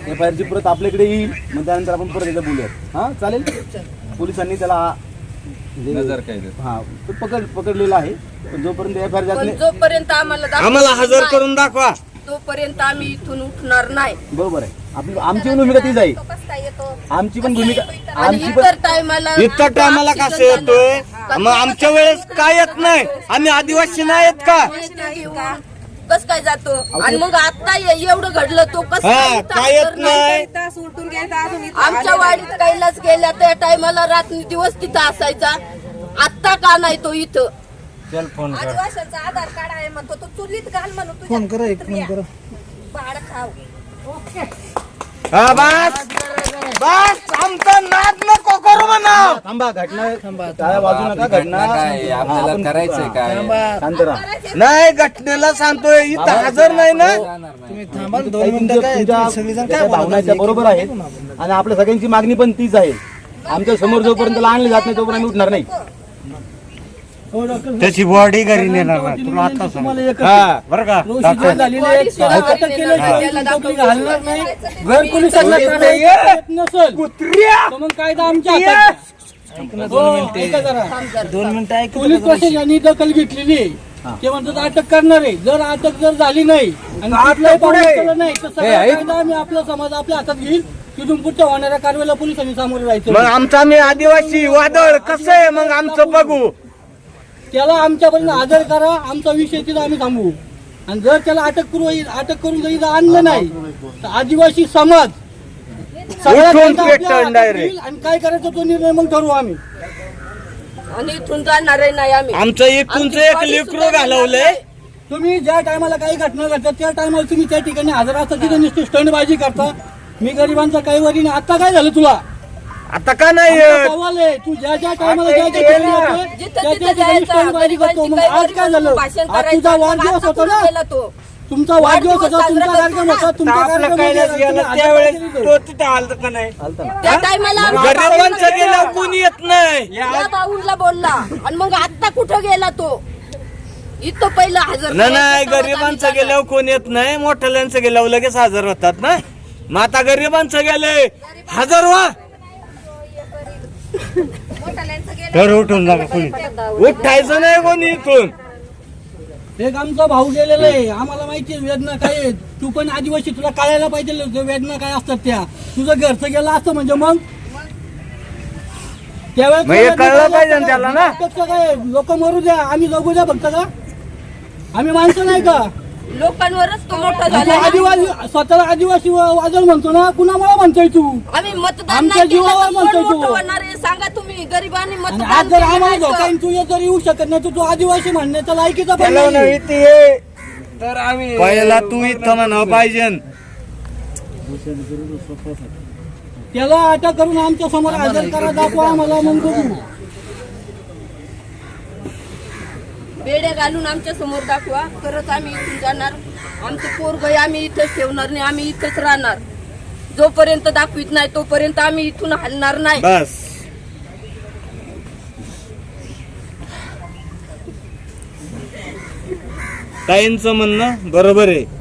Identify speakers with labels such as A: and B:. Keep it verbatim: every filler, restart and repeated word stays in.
A: F I आरची परत आपल्याकडे येईल, मग त्यानंतर आपण परत एकदा बोलूयात. हां चालेल. पोलिसांनी त्याला
B: नजर काय
A: हा पकड पकडलेला आहे, पण जोपर्यंत एफ आय आर जात नाही
C: जोपर्यंत आम्हाला
D: आम्हाला हजर करून दाखवा,
C: तोपर्यंत आम्ही इथून उठणार नाही.
A: बरोबर आहे. आपली आमची पण भूमिका तीच आहे. आमची पण भूमिका आमची पण
C: इतर टायमाला
D: इतर टायमाला कसं येतोय, मग आमच्या वेळेस काय येत नाही, आम्ही आदिवासी नाही येत का?
C: कस काय जातो आणि मग आता एवढं घडलं तो कसं
D: हा काय येत नाही.
C: आमच्या वाडीत कैलास गेल्या त्या टायमाला रात्री दिवस तिथं असायचा, आता का नाही तो इथं?
D: चल फोन कर.
E: आदिवासीचा आधार कार्ड आहे म्हणतो तो चुलीत घाल म्हणून तुझ्या
F: फोन करा एक फोन करा.
E: भाड खाव.
D: हा बस बस, आमचा नाद नको करू म्हणा.
A: थांबा. घटना टाळ्या वाजू नका. घटना
B: काय आपल्याला करायचंय काय?
A: शांत राहा.
D: नाही, घटनेला सांगतोय, इथं हजर नाही ना.
F: तुम्ही थांबा दोन मिनिटं. काय तुम्ही सगळेजण काय
A: भावना त्या बरोबर आहेत आणि आपल्या सगळ्यांची मागणी पण तीच आहे. आमच्या समोर जोपर्यंत आणले जात नाही तोपर्यंत आम्ही उठणार नाही.
D: त्याची बॉडी घरी नेणार नाही, तुला आता सांग.
A: हा
D: बरं का?
F: घर पोलिसांना नसेल मग कायदा आमच्या हातात. ऐका जरा. दोन मिनिटं ऐक. पोलीस प्रशासनाने दखल घेतलेली आहे, ते म्हणतात अटक करणार आहे. जर अटक जर झाली नाही आणि कुठलाही पाऊल उचललं नाही तर सगळा कायदा आम्ही आपला समाज आपल्या हातात घेईल. तिथून पुढच्या होणाऱ्या कारवाईला पोलिसांनी सामोरे राहायचं.
D: मग आमचा आम्ही आदिवासी वादळ कसं आहे मग आमचं बघू.
F: त्याला आमच्यापर्यंत हजर करा, आमचा विषय तिथं आम्ही थांबवू. आणि जर त्याला अटक करू अटक करून जर इथं आणलं नाही तर आदिवासी समाज सगळा
D: उठून
F: कायदा आपल्या
D: पेटवून
F: हातात
D: direct.
F: घेईल आणि काय करायचं तो निर्णय मग ठरवू आम्ही.
C: आणि इथून जाणार नाही आम्ही.
D: आमचं एकूणचं एक लेकरू घालवलंय.
F: तुम्ही ज्या टायमाला काही घटना घडतात त्या टायमाला तुम्ही त्या ठिकाणी हजर असता, तिथे नुसती स्टंटबाजी करता. मी गरिबांचा काही वरी नाही. आता काय झालं तुला?
D: आता का नाही
F: आमचा सवाल आहे, तू ज्या ज्या टायमाला ज्या ज्या ठिकाणी जातोय,
C: जिथं
F: त्या
C: तिथं
F: त्या ठिकाणी
C: जायचं,
F: स्टंटबाजी करतो. मग
C: गरिबांची
F: आज काय झालं?
C: भाषण
F: आज
C: करायचं,
F: तुझा
C: मग
F: वाढदिवस
C: आता
F: होता
C: कुठं
F: ना,
C: गेला तो?
F: तुमचा वाढदिवस होता,
C: वाढदिवस
F: तुमचा
C: साजरा
F: कार्यक्रम
C: करतो
F: होता,
C: ना.
F: तुमचा
D: आपलं
F: कार्यक्रम
D: कैलास
F: होता,
D: गेला
F: तुम्ही
D: त्यावेळेस
F: हजर केली
D: तो तिथे आलत का नाही.
C: त्या टायमाला आमच्या
D: गरिबांचं
C: भाऊला
D: गेल्यावर कोणी येत नाही.
C: या भाऊला बोलला आणि मग आता कुठं गेला तो? इथं पहिलं हजर
D: नाही नाही,
C: करायचं,
D: गरिबांचं
C: तेव्हा
D: गेल्यावर कोण येत नाही, मोठ्याल्यांचं गेल्यावर लगेच हजर होतात ना. मग आता गरिबांचं गेले हजर व्हा. तर उठून जागा कोणी उठायचं नाही कोणी इथून.
F: एक आमचा भाऊ गेलेला आहे, आम्हाला माहिती आहे वेदना काय आहे. तू पण आदिवासी, तुला कळायला पाहिजे वेदना काय असतात त्या. तुझं घरचं गेलं असतं म्हणजे मग
D: मग हे कळलं पाहिजे ना त्याला ना.
F: काय लोक मरू द्या, आम्ही जगू द्या फक्त का? आम्ही माणसं नाही का?
C: लोकांवरच तो मोठा
F: तू
C: झाला.
F: आदिवासी स्वतःला आदिवासी वाजळ म्हणतो ना, कुणामुळे म्हणतोय तू?
C: आम्ही मतदान
F: आमच्या
C: नाही केलं
F: जीवावर
C: तर कोण
F: म्हणतोय तू.
C: मोठं होणार आहे? सांगा तुम्ही. गरिबांनी
F: आणि
C: मतदान
F: आज जर
C: केलं
F: आम्हाला
C: नाही तर-
F: धोका येईल, तू जर येऊ शकत नाही तर तू आदिवासी म्हणण्याचा लायकीचा पण
D: त्याला
F: नाही.
D: नाही ते तर आम्ही पहिला तू इथं म्हणावं पाहिजे.
F: त्याला अटक करून आमच्या समोर हजर करा, दाखवा आम्हाला, मग बघू.
C: बेड्या घालून आमच्या समोर दाखवा, तरच आम्ही इथून जाणार. आमचं पोरगं आम्ही इथंच ठेवणार नाही, आम्ही इथंच राहणार. जोपर्यंत दाखवित नाही तोपर्यंत आम्ही इथून हलणार नाही.
D: बस ताईंचं म्हणणं बरोबर आहे.